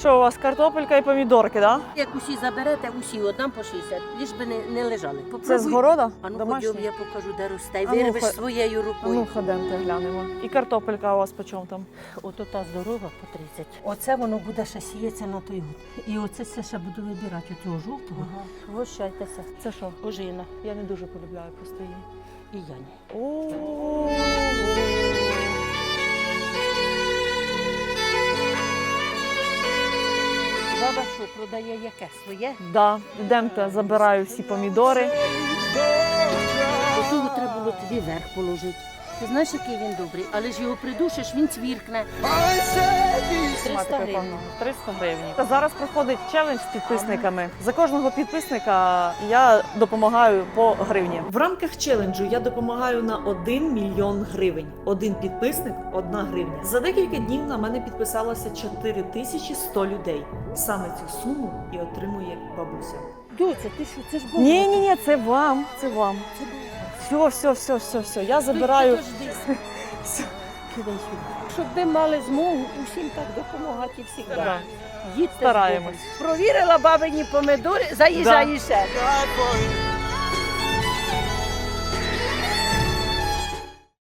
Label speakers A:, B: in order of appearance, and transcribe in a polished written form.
A: що у вас картопелька і помідорки, так? Да?
B: Як усі заберете, усі отдам по 60, лиш би не лежали. Попробуй.
A: Це з города?
B: А ну
A: Домашній?
B: ходьом, я покажу, де росте. І
A: А ну,
B: вирвеш своєю
A: А
B: рукою.
A: ну, ходемте, глянемо. І картопелька у вас по чому там?
B: Ото та здорова по 30. Оце воно буде ще сіється на той год. І оце все ще буду вибирати, оцього жовтого. Вощайтеся.
A: Це що?
B: Ожина.
A: Я не дуже полюбляю просто її.
B: І я ні.
A: О.
B: Баба що, продає яке? Своє?
A: Да, йдемте, забираю всі помідори.
B: Отого треба було тобі верх положити. Ти знаєш, який він добрий, але ж його придушиш, він цвіркне. 300 гривень.
A: 300 гривень. Та зараз проходить челендж з підписниками. За кожного підписника я допомагаю по гривні. В рамках челенджу я допомагаю на 1 мільйон гривень. Один підписник – 1 гривня. За декілька днів на мене підписалося 4100 людей. Саме цю суму і отримує бабуся.
B: Доця, ти що, це ж було?
A: Ні, це вам, це вам. Все, я забираю. Все.
B: Кидай сюди. Щоб ви мали змогу усім так допомагати і всі.
A: Да.
B: Їдьте.
A: Стараємось.
B: Провірила бабині помидори, заїжджай ще.